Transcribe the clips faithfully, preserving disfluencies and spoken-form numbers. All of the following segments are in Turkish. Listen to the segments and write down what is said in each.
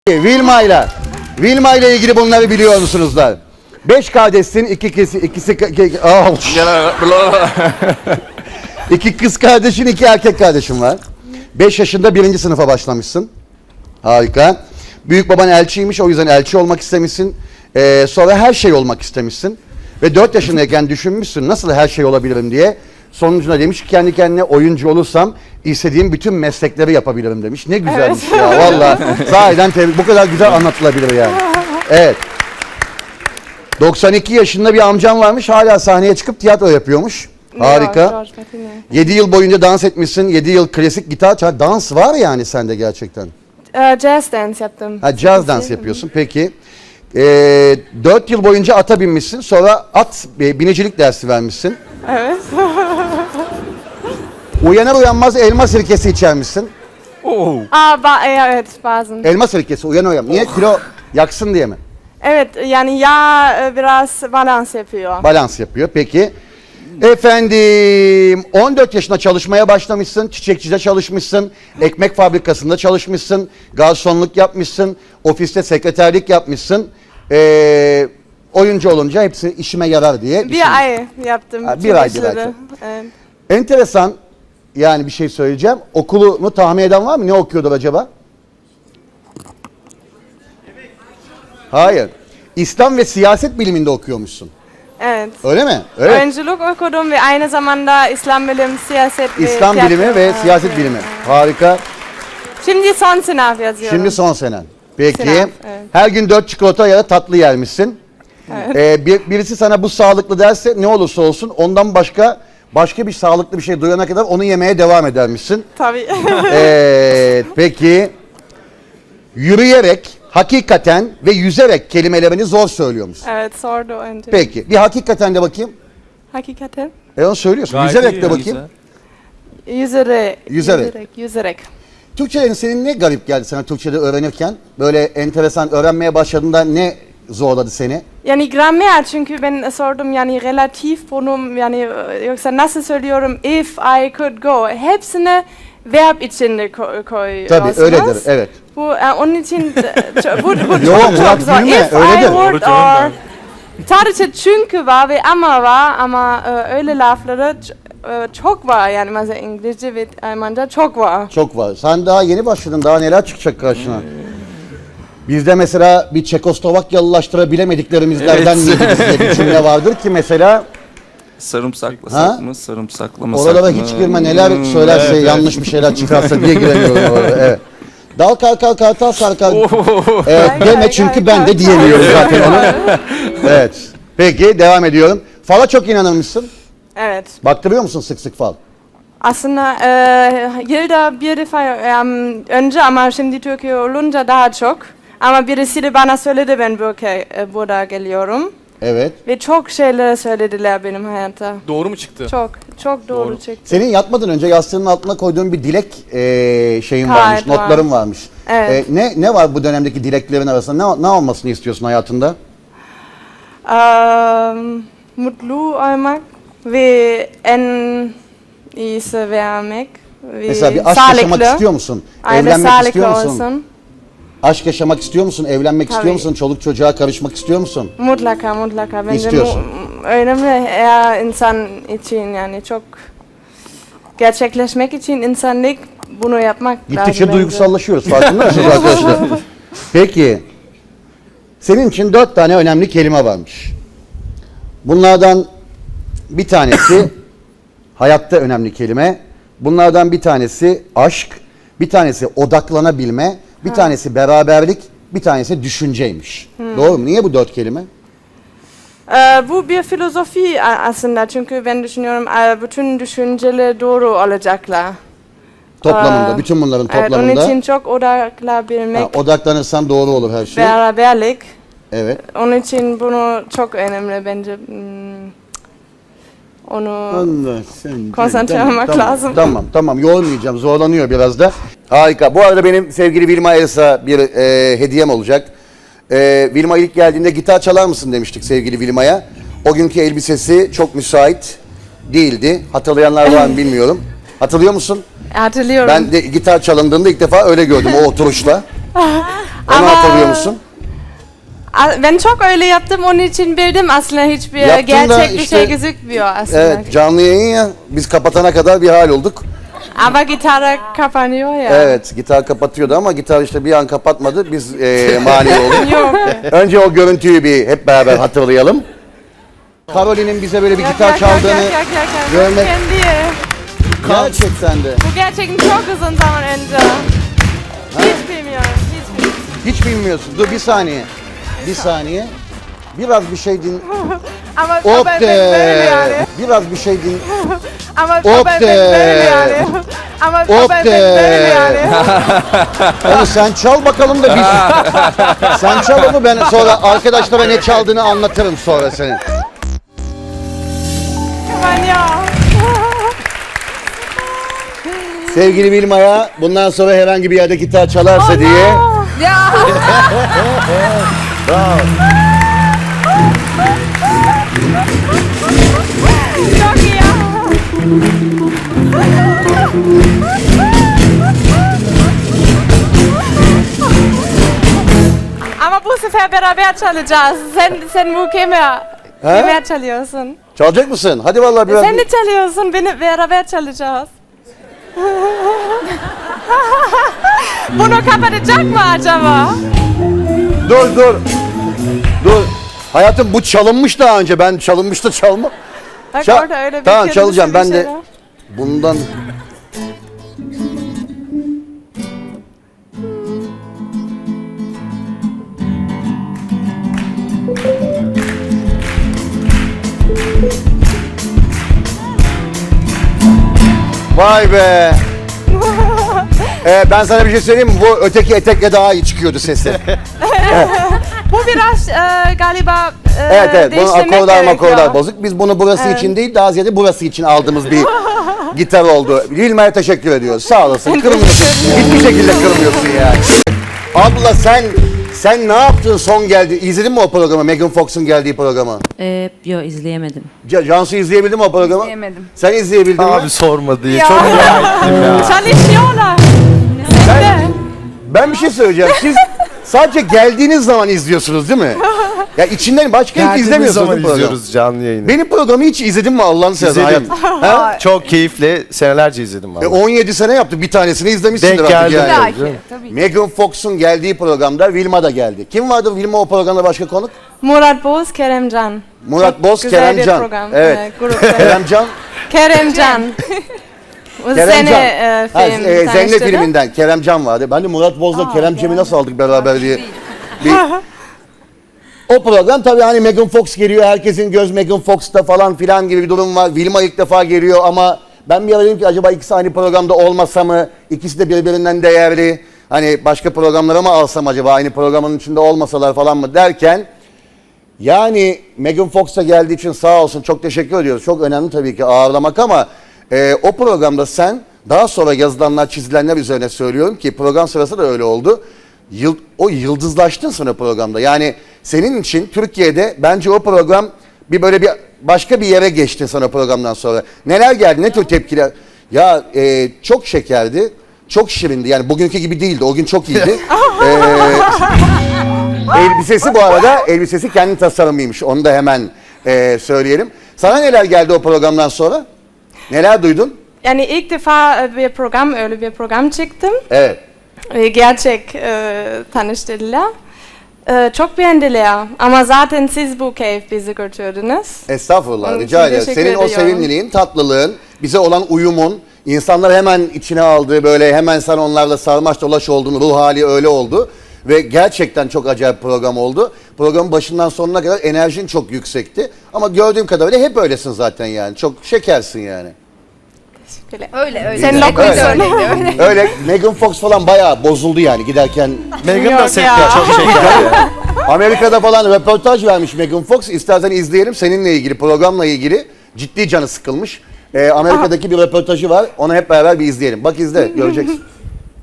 Vilma ile Vilma ile ilgili bunları biliyor musunuzlar? Beş kardeşsin, iki kız, ikisi iki, oh. iki kız kardeşin, iki erkek kardeşin var. Beş yaşında birinci sınıfa başlamışsın. Harika. Büyük baban elçiymiş, o yüzden elçi olmak istemişsin. Ee, sonra her şey olmak istemişsin. Ve dört yaşındayken düşünmüşsün nasıl her şey olabilirim diye. Sonucunda demiş ki kendi kendine oyuncu olursam istediğim bütün meslekleri yapabilirim demiş. Ne güzelmiş evet. Ya valla. Sahiden tebrik. Bu kadar güzel anlatılabilir yani. Evet. doksan iki yaşında bir amcam varmış. Hala sahneye çıkıp tiyatro yapıyormuş. Harika. yedi yıl boyunca dans etmişsin. yedi yıl klasik gitar çal. Dans var yani sende gerçekten. Uh, jazz dance yaptım. Ha, jazz dans yapıyorsun. Peki. Ee, dört yıl boyunca ata binmişsin. Sonra at binicilik dersi vermişsin. Evet. Uyanır uyanmaz elma sirkesi içermişsin. Oh. Aa, ba evet bazen. Elma sirkesi uyanır uyanmaz. Niye? Kilo yaksın diye mi? Evet yani yağ biraz balans yapıyor. Balans yapıyor. Peki. Efendim on dört yaşında çalışmaya başlamışsın. Çiçekçide çalışmışsın. Ekmek fabrikasında çalışmışsın. Garsonluk yapmışsın. Ofiste sekreterlik yapmışsın. Ee, oyuncu olunca hepsi işime yarar diye. Bir işim. ay yaptım. Ha, bir ay bir ay. Evet. Enteresan yani bir şey söyleyeceğim. Okulunu tahmin eden var mı? Ne okuyordur acaba? Hayır. İslam ve siyaset biliminde okuyormuşsun. Evet. Öyle mi? Evet. Oyunculuk okudum ve aynı zamanda İslam bilim, siyaset ve İslam tiyatro. bilimi ve siyaset evet. bilimi. Harika. Şimdi son sınav yazıyorum. Şimdi son senen. Peki. Sınav, evet. Her gün dört çikolata ya da tatlı yermişsin. Evet. Ee, bir, birisi sana bu sağlıklı derse ne olursa olsun ondan başka başka bir sağlıklı bir şey duyana kadar onu yemeye devam edermişsin. Tabii. Evet. Peki. Yürüyerek, hakikaten ve yüzerek kelimelerini zor söylüyormuş. Evet, sordu önce. Peki. Bir hakikaten de bakayım. Hakikaten? E onu söylüyorsun. Gayet yüzerek de iyi, bakayım. Yüzerek. Yüzerek. Yüzerek. Yüzerek. Türkçe'nin senin ne garip geldi sana Türkçe'de öğrenirken? Böyle enteresan öğrenmeye başladığında ne zorladı seni? Yani gramer çünkü ben sordum yani relatif pronomen yani yoksa nasıl söylüyorum if I could go hepsini verb içinde koyuyorsunuz. Tabii öyledir evet. Bu e, onun için bu, bu çok Yo, çok Murat, zor. gülme, If öyledir. I would Doğru canım or sadece çünkü var ve ama var ama e, öyle lafları e, çok var yani mesela İngilizce ve Almanca çok var. Çok var. Sen daha yeni başladın. Daha neler çıkacak karşına? Bizde mesela bir Çekoslovakyalılaştırabilemediklerimizden Evet. diye bir cümle vardır ki mesela Sarımsaklasak Ha? mı, sarımsaklamasak oralara mı? hiç girme neler Hmm, söylerse evet, yanlış bir şeyler çıkarsa diye giremiyorum oraya. Evet. Dal kalkal kartal sarkal. Evet, Gay, deme gay, çünkü gay, ben de gay. diyemiyorum zaten onu. Evet. Peki devam ediyorum. Fala çok inanır mısın? Evet. Baktırıyor musun sık sık fal? Aslında e, yılda bir defa um, önce ama şimdi Türkiye olunca daha çok. Ama birisi de bana söyledi ben böyle, e, burada geliyorum. Evet. Ve çok şeyler söylediler benim hayatta. Doğru mu çıktı? Çok, çok doğru, Doğru. çıktı. Senin yatmadan önce yastığının altına koyduğun bir dilek eee, şeyin Kayıt varmış, var. notların varmış. Evet. Eee, ne ne var bu dönemdeki dileklerin arasında? Ne, ne olmasını istiyorsun hayatında? Um, mutlu olmak ve en iyisi vermek. Ve Mesela bir aşk sağlıklı. yaşamak istiyor musun? Aynen, Evlenmek sağlıklı istiyor musun? olsun. Aşk yaşamak istiyor musun? Evlenmek istiyor Tabii. musun? Çoluk çocuğa karışmak istiyor musun? Mutlaka, mutlaka. Bence İstiyorsun. mu- önemli her insan için yani çok gerçekleşmek için insanlık bunu yapmak lazım. Gittikçe bence. duygusallaşıyoruz. Farkında mısınız arkadaşlar? Peki. Senin için dört tane önemli kelime varmış. Bunlardan bir tanesi hayatta önemli kelime. Bunlardan bir tanesi aşk, bir tanesi odaklanabilme, bir tanesi beraberlik, bir tanesi düşünceymiş. Doğru mu? Niye bu dört kelime? Ee, bu bir filozofi a- aslında çünkü ben düşünüyorum e, bütün düşünceler doğru olacaklar. Toplamında, Ee, bütün bunların Evet, toplamında. onun için çok odaklanabilmek, Ha, odaklanırsan doğru olur her şey. beraberlik. Evet. Onun için bunu çok önemli bence. Hmm, Onu Allah sen. konsantre Tamam, olmak tamam, lazım. Tamam tamam yormayacağım, zorlanıyor biraz da. Harika. Bu arada benim sevgili Vilma Elsa bir e, hediyem olacak. E, Vilma ilk geldiğinde gitar çalar mısın demiştik sevgili Vilma'ya. O günkü elbisesi çok müsait değildi. Hatırlayanlar var mı bilmiyorum. Hatırlıyor musun? hatırlıyorum. Ben de gitar çalındığında ilk defa öyle gördüm o oturuşla. Onu Ama musun? A- Ben çok öyle yaptım, onun için bildim aslında hiçbir Yaptın da gerçek bir işte- şey gözükmüyor aslında. Evet, canlı yayın ya. Biz kapatana kadar bir hal olduk. Ama gitar kapanıyor ya. Evet, gitar kapatıyordu ama gitar işte bir an kapatmadı. Biz e, mani olduk. Yok. Önce o görüntüyü bir hep beraber hatırlayalım. Caroline'in bize böyle bir Yok, gitar yok, yok, çaldığını yok, yok, yok, yok. görmek Kendi. gerçekten de. Bu gerçekten çok uzun zaman önce. Hiç bilmiyorum, hiç bilmiyorum. Hiç bilmiyorsun. Dur bir saniye. Bir saniye. Biraz bir şey din. Ama Hop ama ben böyle yani. de. Biraz bir şey din. Ama Hop ama ben de. böyle yani. Ama Hop ama ben de. böyle yani. Onu sen çal bakalım da biz. Sen çal onu, ben sonra arkadaşlara ne çaldığını anlatırım sonra senin. Aman ya. Sevgili Vilma'ya bundan sonra herhangi bir yerde gitar çalarsa diye. Ya. Çok iyi ya. Ama bu sefer beraber çalacağız. Sen sen bu kemer. Kemer çalıyorsun. Çalacak mısın? Hadi vallahi biraz. Sen de çalıyorsun. Beni beraber çalacağız. Bunu kapatacak mı acaba? Dur dur. Dur. Hayatım bu çalınmış daha önce. Ben çalınmış da çalma. Bak Çal- orada öyle bir tamam, kırmızı çalacağım. bir Ben şey de- var. Bundan Vay be. Ee, ben sana bir şey söyleyeyim mi? Bu öteki etekle daha iyi çıkıyordu sesi. Bu biraz e, galiba e, Evet evet. Bunun değiştirmek akorlar gerekiyor. makorlar bozuk. Biz bunu burası Evet. için değil, daha ziyade burası için aldığımız bir gitar oldu. Vilma'ya teşekkür ediyoruz. Sağ olasın. Kırmıyorsun. Hiçbir şekilde kırmıyorsun yani. Abla sen sen ne yaptın son geldi? İzledin mi o programı? Megan Fox'un geldiği programı? Ee, yo izleyemedim. Ca- Cansu izleyebildin mi o programı? İzleyemedim. Sen izleyebildin mi? Abi sorma diye. Ya. Çok merak ettim ya. Çalışıyorlar. Sen de. Ben bir şey söyleyeceğim. Siz sadece geldiğiniz zaman izliyorsunuz değil mi? Ya içinden başka hiç Geldiğimiz izlemiyorsunuz zaman değil mi programı? izliyoruz canlı yayını. Benim programı hiç izledin mi Allah'ını seversen hayat? İzledim. Ha? Çok keyifle senelerce izledim E, valla. on yedi sene yaptık. Bir tanesini izlemişsindir Denk artık geldi. yani. Belki, tabii. Megan Fox'un geldiği programda Vilma da geldi. Kim vardı Vilma o programda başka konuk? Murat Boz, Keremcan. Murat Çok Boz, güzel bir Keremcan. program. Evet. Evet, grupta. Keremcan. Keremcan. O Keremcan. sene e, Ha, film e, Zenne tanıştırdı. filminden Keremcan vardı. Ben de Murat Boz'la Kerem Cem'i nasıl aldık beraber diye. Bir... O program tabii hani Megan Fox geliyor, herkesin göz Megan Fox'ta falan filan gibi bir durum var. Vilma ilk defa geliyor ama ben bir ara dedim ki acaba ikisi aynı programda olmasa mı? İkisi de birbirinden değerli. Hani başka programlara mı alsam acaba aynı programın içinde olmasalar falan mı derken yani Megan Fox'a geldiği için sağ olsun çok teşekkür ediyoruz. Çok önemli tabii ki ağırlamak ama e, o programda sen daha sonra yazılanlar çizilenler üzerine söylüyorum ki program sırası da öyle oldu. Yıl, o yıldızlaştın sonra programda. Yani senin için Türkiye'de bence o program bir böyle bir başka bir yere geçti sana programdan sonra. Neler geldi? Ne tür tepkiler? Ya e, çok şekerdi. Çok şirindi. Yani bugünkü gibi değildi. O gün çok iyiydi. e, elbisesi bu arada elbisesi kendi tasarımıymış. Onu da hemen e, söyleyelim. Sana neler geldi o programdan sonra? Neler duydun? Yani ilk defa e, bir program, öyle bir program çıktım. Evet. E, Gerçek e, tanıştırdılar. E, çok beğendiler. Ama zaten siz bu keyif bizi götürdünüz. Estağfurullah, Onun rica için ederim. teşekkür Senin o ediyorum. sevimliliğin, tatlılığın, bize olan uyumun, insanlar hemen içine aldığı, böyle hemen sen onlarla sarmaş dolaş olduğunu, ruh hali öyle oldu. Ve gerçekten çok acayip program oldu. Programın başından sonuna kadar enerjin çok yüksekti. Ama gördüğüm kadarıyla hep öylesin zaten yani. Çok şekersin yani. Öyle öyle. Sen Öyle. lokuyorsun. Öyle. Öyle Megan Fox falan bayağı bozuldu yani giderken. Megan da Yok seviyor. ya. Çok şeker ya. Amerika'da falan röportaj vermiş Megan Fox. İstersen izleyelim seninle ilgili, programla ilgili. Ciddi canı sıkılmış. Ee, Amerika'daki bir röportajı var. Onu hep beraber bir izleyelim. Bak izle, göreceksin.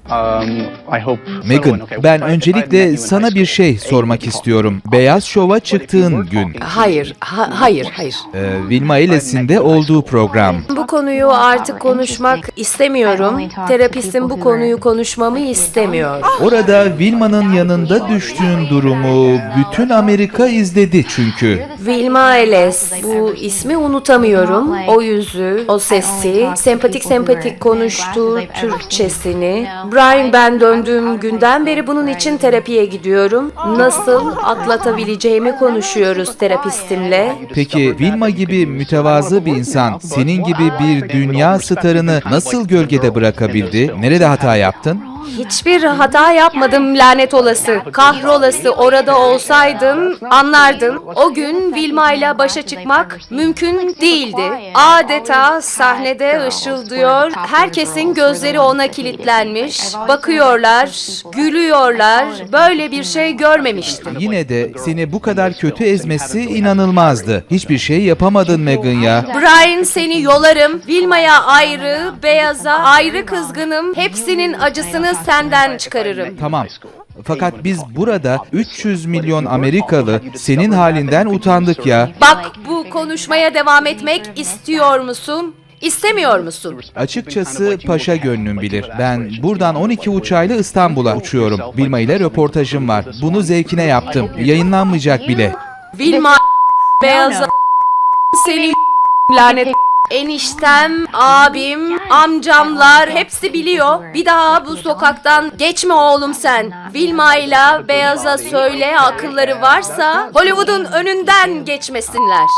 Megan, ben öncelikle sana bir şey sormak istiyorum. Beyaz Şov'a çıktığın gün, Hayır, ha- hayır, hayır. e, Vilma Eles'in de olduğu program. Bu konuyu artık konuşmak istemiyorum. Terapistim bu konuyu konuşmamı istemiyor. Orada Vilma'nın yanında düştüğün durumu bütün Amerika izledi çünkü. Vilma Eles, bu ismi unutamıyorum. O yüzü, o sesi, sempatik sempatik konuştuğu Türkçesini. Brian, ben döndüğüm günden beri bunun için terapiye gidiyorum. Nasıl atlatabileceğimi konuşuyoruz terapistimle. Peki Vilma gibi mütevazı bir insan senin gibi bir dünya starını nasıl gölgede bırakabildi? Nerede hata yaptın? Hiçbir hata yapmadım, lanet olası. Kahrolası, orada olsaydın anlardın. O gün Vilma ile başa çıkmak mümkün değildi. Adeta sahnede ışıldıyor. Herkesin gözleri ona kilitlenmiş. Bakıyorlar, gülüyorlar. Böyle bir şey görmemiştim. Yine de seni bu kadar kötü ezmesi inanılmazdı. Hiçbir şey yapamadın Megan ya. Brian, seni yolarım. Vilma'ya ayrı, Beyaz'a ayrı kızgınım. Hepsinin acısını senden çıkarırım. Tamam. Fakat biz burada üç yüz milyon Amerikalı senin halinden utandık ya. Bak, bu konuşmaya devam etmek istiyor musun? İstemiyor musun? Açıkçası paşa gönlüm bilir. Ben buradan on iki uçağıyla İstanbul'a uçuyorum. Vilma ile röportajım var. Bunu zevkine yaptım. Yayınlanmayacak bile. Vilma, Beyaz'a seni lanet. Eniştem, abim, amcamlar hepsi biliyor. Bir daha bu sokaktan geçme oğlum sen. Vilma ile Beyaz'a söyle, akılları varsa Hollywood'un önünden geçmesinler.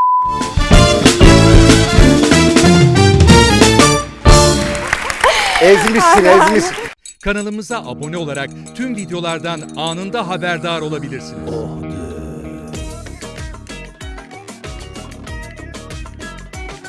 Ezmişsin, ezmişsin. Kanalımıza abone olarak tüm videolardan anında haberdar olabilirsiniz.